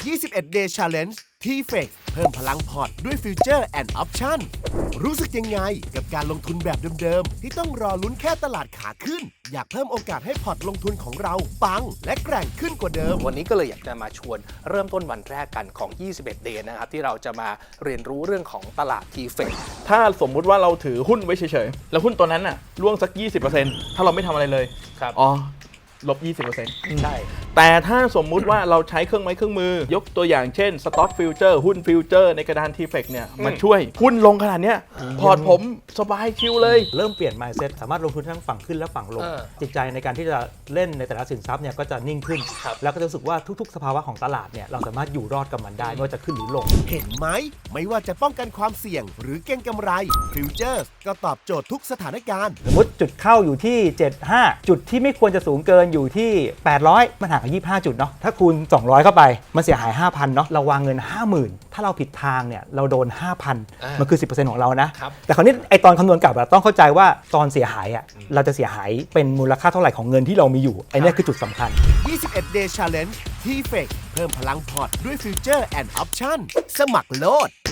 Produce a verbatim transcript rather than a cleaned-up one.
ยี่สิบเอ็ด day challenge ที เฟก เพิ่มพลังพอร์ตด้วยฟิวเจอร์แอนด์ออปชั่นรู้สึกยังไงกับการลงทุนแบบเดิมๆที่ต้องรอลุ้นแค่ตลาดขาขึ้นอยากเพิ่มโอกาสให้พอร์ตลงทุนของเราปังและแกร่งขึ้นกว่าเดิมวันนี้ก็เลยอยากจะมาชวนเริ่มต้นวันแรกกันของ ยี่สิบเอ็ด day นะครับที่เราจะมาเรียนรู้เรื่องของตลาด ที เฟกถ้าสมมุติว่าเราถือหุ้นไว้เฉยๆแล้วหุ้นตัวนั้นน่ะร่วงสัก ยี่สิบเปอร์เซ็นต์ ถ้าเราไม่ทำอะไรเลยครับอ๋อลบ ยี่สิบเปอร์เซ็นต์ใช่แต่ถ้าสมมุติว่าเราใช้เครื่องไม้เครื่องมือยกตัวอย่างเช่น Stock Future หุ้น Future ในกระดาน ที เฟก เนี่ยมาช่วยหุ้นลงขนาดเนี้ยพอร์ตผมสบายชิลเลยเริ่มเปลี่ยน mindset สามารถลงทุนทั้งฝั่งขึ้นและฝั่งลงเออจิตใจในการที่จะเล่นในแต่ละสินทรัพย์เนี่ยก็จะนิ่งขึ้นครับแล้วก็จะรู้สึกว่าทุกๆ สภาวะของตลาดเนี่ยเราสามารถอยู่รอดกับมันได้ไม่ว่าจะขึ้นหรือลงเห็นไหมไม่ว่าจะป้องกันความเสี่ยงหรือเก็งกำไรฟิวเจอร์ก็ตอบโจทย์ทุกสถานการณ์สมมติจุดเข้าอยู่ที่ เจ็ดสิบห้า จุดที่ไม่ควรจะสูงเกินอยู่ที่ แปดร้อย มันห่างกันยี่สิบห้า จุดเนาะถ้าคูณ สองร้อย เข้าไปมันเสียหาย ห้าพัน เนาะเราวางเงิน ห้าหมื่น ถ้าเราผิดทางเนี่ยเราโดน ห้าพันอ่ามัมันคือ สิบเปอร์เซ็นต์ ของเรานะครับ แต่คราวนี้ไอตอนคำนวณกลับอะต้องเข้าใจว่าตอนเสียหายอะเราจะเสียหายเป็นมูลค่าเท่าไหร่ของเงินที่เรามีอยู่ไอเนี้ยคือจุดสำคัญยี่สิบเอ็ด day challenge ที เฟก เพิ่มพลังพอร์ตด้วยฟิวเจอร์แอนด์ออปชั่นสมัครโลด